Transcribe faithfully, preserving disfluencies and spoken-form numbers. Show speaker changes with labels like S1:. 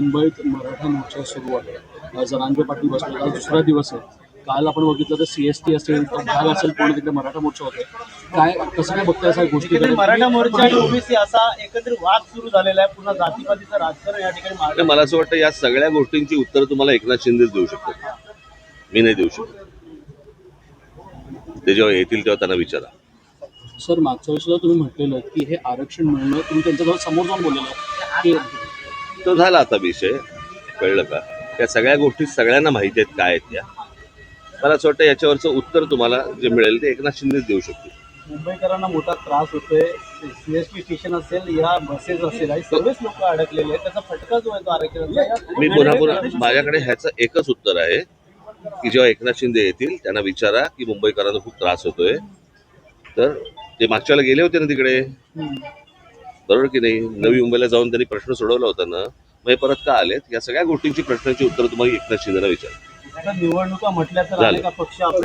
S1: मुंबईत मराठा मोर्चा सुरू आहे. जरांगे पाटील बसले, आज दुसरा दिवस आहे. काल आपण बघितलं तर सी एस टी असेल, तर भाग असेल, पूर्ण तिकडे मराठा मोर्चा होते. काय कसं काय बघताय अशा गोष्टी?
S2: मराठा मोर्चा आणि ओबीसी असा एकत्रित वाद सुरू झालेला आहे. पुन्हा जातीपातीचं राजकारण या ठिकाणी.
S3: मला असं वाटतं या सगळ्या गोष्टींची उत्तर तुम्हाला एकनाथ शिंदेच देऊ शकतात, मी नाही देऊ शकत. ते जेव्हा येतील तेव्हा त्यांना विचारा.
S1: सर, मागच्या वेळेस तुम्ही म्हटलेलं की हे आरक्षण मिळणं, तुम्ही त्यांच्याजवळ समोर जाऊन बोललेलं की
S3: तो झाला आता विषय, कळलं का? त्या सगळ्या गोष्टी सगळ्यांना माहिती आहेत काय आहेत त्या. मला असं वाटतं याच्यावरचं उत्तर तुम्हाला जे मिळेल ते एकनाथ शिंदेच देऊ शकतील.
S2: मुंबईकरांना मोठा त्रास होतोय. सीएसटी स्टेशन असेल या बसेस असेल आणि सर्वच लोक अडकलेले आहेत. त्याचा फटका जो आहे तो आरक्षणाचा.
S3: मी पुन्हा पुन्हा माझ्याकडे ह्याचं एकच उत्तर आहे की जेव्हा एकनाथ शिंदे येतील त्यांना विचारा की मुंबईकरांना खूप त्रास होतोय. तर ते मागच्याला गेले होते ना तिकडे, बरोबर की नाही? नवी मुंबईला जाऊन त्यांनी प्रश्न सोडवला होता ना, मग हे परत का आलेत? या सगळ्या गोष्टींची प्रश्नांची उत्तर तुम्हाला एकनाथ शिंदेला विचारा.
S2: निवडणुका म्हटल्या तर अनेक पक्ष